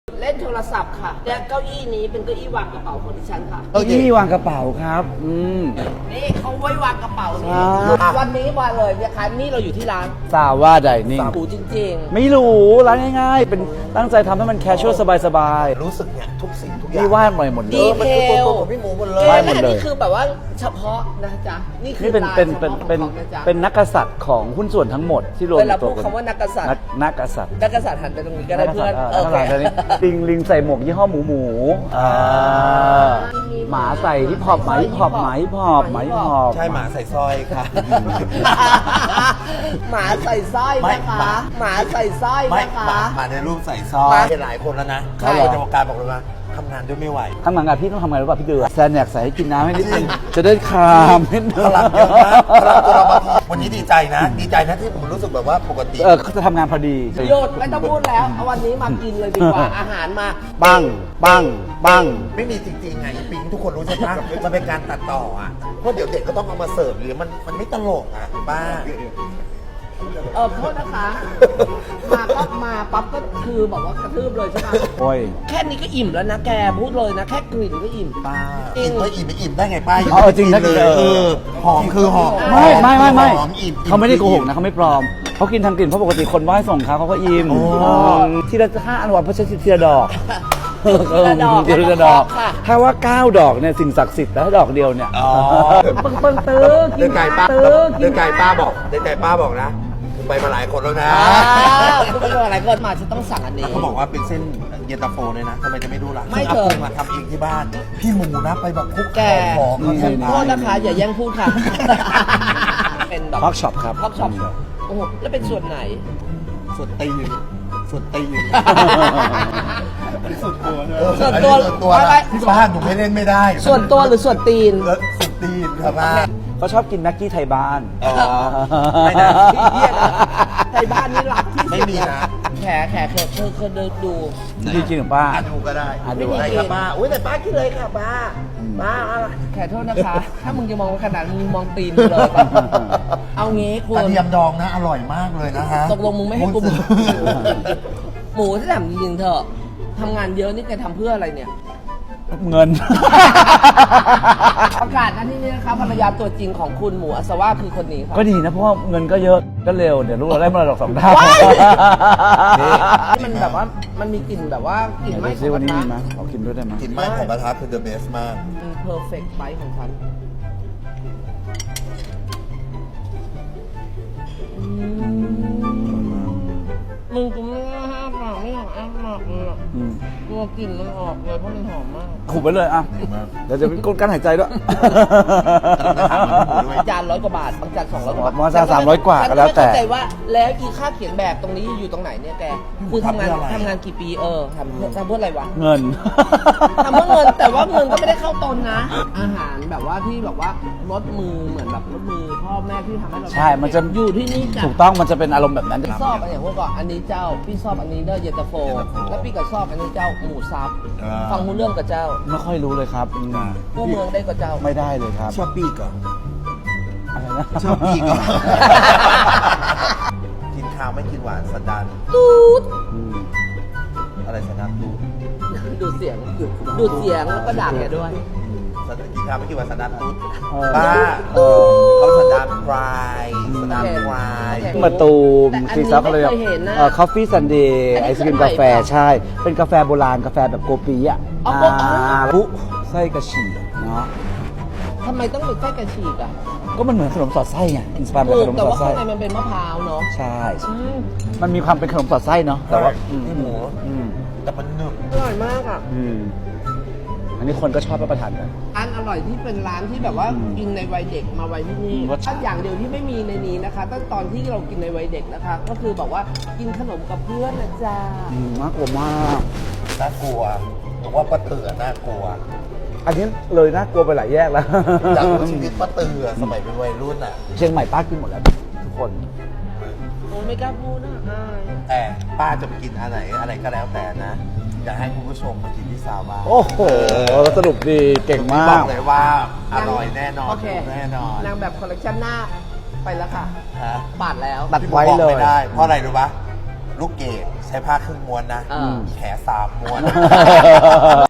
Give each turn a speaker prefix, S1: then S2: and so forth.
S1: เล่นโทรศัพท์ค่ะและเก้าอี้นี้เป็นเก้าอี้วางกระเป๋าของดิฉันค่ะ
S2: เก้าอี้วางกระเป๋าครับ
S1: นี่เขาไว้วางกระเป๋านี่
S2: ใช่
S1: วันนี้มาเลยนะคะนี่เราอยู่ที่ร้าน
S2: ซาว่าไดนิ่ง
S1: หรูจริง
S2: ไม่หรูร้านง่ายๆ เป็นตั้งใจทำให้มันแคชชวลสบาย
S3: รู้สึกเนี่ยทุกสิ่งทุกอ
S2: ๆ
S3: ย่าง
S2: นี่วาดใหม่หมดเล
S1: ดี
S2: ย
S1: เทล
S3: ของพี่หมูหมดเล
S1: เก
S3: ย
S2: วาด
S1: ม
S2: หมดเลย
S1: นี่คือแบบว่าเฉพาะนะจ๊ะนี่คือ
S2: นี่เป็น
S1: ลาย
S2: เป็น
S1: เฉ
S2: เป็น
S1: พาะ
S2: เป็น
S1: ของนะจ๊ะ
S2: เป็นนักกษัตริย์ของหุ้นส่วนทั้งหมดที่รวม
S1: เวลา
S2: ตั
S1: พู
S2: ว
S1: ด
S2: กัน
S1: คำว่านักกษัตริย์
S2: นักกษัตริย์
S1: นักกษัตริย์หันไปตรงนี้ก็ได้เพื่อน
S2: นักกษัตริย์ลิงใส่หมวกยี่ห้อหมูหมาใส่ฮิปฮอปหมาฮิปฮอปหมาฮิปฮอปหมาฮิปฮอป
S3: ใช่หมาใส่สร้อยค่ะ
S1: หมาใส่สร้อยนะคะหมาใส่สร้อย
S3: ไม่
S1: นะคะ
S3: หมาในรูปใส่สร้อ
S1: ห
S3: ย
S1: มา
S3: เป็นหลายคนแล้วนะ
S1: ใช่
S3: ในวงการบอกเลยว่าทำงานด้วยไม่ไหว
S2: ข้างหลังอะพี่ต้องทำไงรู้ป่ะพี่เดือแซนอยากใส่ให้กินน้ำให้นิดนึงจะได้คลามนิดนึ
S3: พ
S2: ง
S3: ลังเยอะนะพลังตัวเราบางทีวันนี้ดีใจนะ ดีใจนะที่ผมรู้สึกแบบว่าปกติ
S2: เขาจะทำงานพอดี
S1: หยุดไม่ต้องพูดแล้วเอาวันนี้มากินเลยดีกว่า อาหารมา
S2: ปังปังปัง
S3: ไม่มีจริงๆไงปิงทุกคนรู้ใช่ปะมันเป็นการตัดต่ออ่ะเพราะเดี๋ยวเด็กก็ต้องเอามาเสิร์ฟหรือมันไม่ตลกอ่ะป้า
S1: โทษนะคะ มาก็มาปั๊บก็คือบอกว่ากระทืบเลยใช่ไหม
S2: โอ้ย
S1: แค่นี้ก็อิ่มแล้วนะแกพูดเลยนะ แค่กลิ่นก็อิ่ม
S3: ป้า
S1: จริง
S3: อิ่มก็อิ่มไม่อิ่มได้ไงป้า
S2: อ๋อจริงนะ
S3: เลยหอมคือหอม
S2: ไม่
S3: หอมอิ่ม
S2: เขาไม่ได้โกหกนะเขาไม่ปลอมเขากินทางกลิ่นเพราะปกติคนไหว้ส่งเขาก็อิ่มทีละ5 อันวันเพราะใช้ทีละดอก
S1: ทีละดอก
S2: ทีละดอก
S1: ค่ะ
S2: ถ้าว่า9 ดอกเนี่ยสิ่งศักดิ์สิทธิ์แล้วดอกเดียวเนี่ย
S3: อ๋อ
S1: เปิ้งตื้อกิ
S3: เดิ
S1: น
S3: นไก่ป้า
S1: ตื้อกิ
S3: เดิ
S1: น
S3: นไก่ป้าบอกเดินไก่ป้าบอกนะผมไปมาหลายคนแล้วนะ
S1: คุณเป็นอะไรเกิดมาจะต้องสั่งอันนี้
S3: เขาบอกว่าเป็นเส้นเย็นตาโฟเลยนะทำไมจะไม่รู้ล่ะ
S1: ไม่เถอะ
S3: าทำเองที่บ้าน พี่หมูนะไปแบบคลุก
S1: แก
S3: ของเขา
S2: นี่
S3: แทบ
S1: โทษนะคะ อย่าแย่งพูดค่ะ เป็นแบบ
S2: ฮอกช็อปครับ
S1: ฮอกช็อปโอ้โหแล้วเป็นส่วนไหน
S3: ส่วนตีนส่วนตีน
S1: ส่วนตัว
S3: ส่วนตัว
S1: ไม่
S3: นะที่บ้านหนูไม่เล่นไม่ได้
S1: ส่วนตัวหรือส่วนตีน
S3: ส่วนตีนครับป้า
S2: เขาชอบกินแม็กกี้ไทยบ้าน
S3: อ๋อไม่นะ
S1: เหี้ยนะไทยบ้านนี่หลักที่สุด
S3: ไม่มีนะ
S1: แขเคยเดินดู
S2: จริงๆของป้า
S3: ดูก็ได้
S2: อ่ะดู
S3: ได้ครับป้าอุ้ยแต่ป้าคิดเลยค่ะป้า
S1: ป้าแขกโทษนะคะ ถ้ามึงจะมองขนาดมึงมองตีนกูเลย เอางี้คุ
S3: ก
S1: ณ
S3: ระเทียมดองนะอร่อยมากเลยนะฮะ
S1: ตกลงมึงไม่ให้กูหมูที่ถามจริงๆเถอะทำงานเยอะนี่แกทำเพื่ออะไรเนี่ย
S2: เงิน
S1: ประกาศนะที่นี่นะคะภรรยาตัวจริงของคุณหมูอัศวาคือคนนี้ค่ะ
S2: ก็ดีนะเพราะว่าเงินก็เยอะก็เร็วเดี๋ยวลูกเราได้มรดก2 เท่า
S1: ว้าย มันแบบว่ามันมีกลิ่นแบบว่ากลิ่น
S2: ไห
S1: ไหม้
S2: ซิวันนี้มีไหมขอกินด้วยได้ไหม
S3: กลิ่นไหม้ของกระทะคือ the best มาก
S1: เพอร์เฟกต์ไบของฉันมึงกูไม่ได้ห้ามปากไม่อยากอ้าปากเลยอะ
S2: อืม
S1: กลัวกลิ่นมันออกเลยเพราะมันหอมมาก
S2: ขุบไปเลยอ่ะเดี๋ยวจะเป็นกดการหายใจด้วย
S1: จาน100 กว่าบาทบางจาน200 กว่าบาท
S2: บางจาน300 กว่าก็แล้วแต่
S1: ฉันไม่เข้าใจว่าแล้วอีค่าเขียนแบบตรงนี้อยู่ตรงไหนเนี่ยแกคือทำงานกี่ปีทำเพื่ออะไรวะ
S2: เงิน
S1: ทำเพื่อเงินแต่ว่าเงินก็ไม่ได้เข้าตนนะ อาหารแบบว่าที่แบบว่ารสมือเหมือนแบบรสมือพ่อแม่ที่ทำให้เรา
S2: ใช่มันจะ
S1: อยู่ที่นี่จ้ะ
S2: ถูกต้องมันจะเป็นอารมณ์แบบนั้น
S1: พี่ชอบอันอย่างพวกก่อนอันนี้เจ้าพี่ชอบอันนี้เด้อเย็นตาโฟแล้วพี่ก็ชอบอันนี้เจ้าหมูซับฟังรู้เรื่องกับเจ้า
S2: ไม่ค่อยรู้เลยครับ
S1: กู้เมืองได้กับเจ้า
S2: ไม่ได้เลยครับ
S3: ชอบปีกเหรอ
S2: อะไรนะ
S3: ชอบปีกเหรอ กินข้าวไม่กินหวานสันดาน
S1: ตูด
S2: อืม
S3: อะไรสันดานตูด
S1: ดูดเสียงแล้วก็ด่าแกด้วย
S3: กินข้าวไม่กินหวานสันดานตูด
S2: เออ
S3: บ้าเขาสันดานพรายสันดานพราย
S2: มาตูม
S1: แต่อันนี้
S2: ซีซับอะไร
S1: ไม่เคยเห็นนะ
S2: คอฟฟี่ซันเดย์
S1: อันนี้
S2: ไอศกรีม
S1: คือใหม่
S2: กาแฟ
S1: ปะ
S2: ใช่ เป็นกาแฟโบราณกาแฟแบบโกปีอ่ะ
S1: อ๋ออ๋อ
S2: ปุ๊ไส้กระฉีกเนาะ
S1: ทำไมต้องเป็นไส้กระฉีกอ่ะ
S2: ก็มันเหมือนขนมสอดไส้ไงอินสปายจาก
S1: ถู
S2: ข
S1: ก
S2: นม
S1: แต่
S2: สอด
S1: ว่า
S2: ไส้
S1: ข้างในมันเป็นมะพร้าวเนาะ
S2: ใช่
S1: อืม
S2: มันมีความเป็นขนมสอดไส้เนาะแต่ว่า
S3: พี่หมู
S2: อืม
S3: แต่มันหนึบ
S1: อร่อยมากอ่ะ
S2: อืมอันนี้คนก็ชอบรับประทานกัน
S1: อันอร่อยที่เป็นร้านที่แบบว่า
S2: อืม
S1: กินในวัยเด็กมาไว้ที่นี่
S2: รสชาติ
S1: ถ้าอย่างเดียวที่ไม่มีในนี้นะคะตั้งตอนที่เรากินในวัยเด็กนะคะ ก็คือบอกว่ากินขนมกับเพื่อนนะจ๊ะ
S2: น่ากลัวมาก
S3: น่ากลัวผมว่าป้าเตือน่ากลัว
S2: อันนี้เลยน่ากลัวไปหลายแยกแล้ว
S3: อยากรู้ชีวิตป้าเตือสมัยเป็นวัยรุ่นอ่ะ
S2: เชียงใหม่ป้ากินหมดแล้วทุกคน
S1: โอ้ไม่กล้าพูดนะอาย
S3: แต่ป้าจะไปกินอะไรก็แล้วแต่นะอยากให้คุณผู้ชมมากินที่ซาวบ้า
S2: โอ้โหสรุปดีเก่งมา
S3: บ
S2: ก
S3: อกเลยว่าอร่อยแน่นอน
S1: โอเค
S3: แน่นอน
S1: นางแบบคอลเลคชันหน้าไปแล้วค่ะ
S3: ฮะ
S1: ปาดแล้ว
S2: ตัดไว้เลย
S3: ไม่ได้ เพราะอะไรรู้ปะลูกเกดใช้ผ้าครึ่งม้วนนะ
S1: อ่า
S3: แข3ม้วน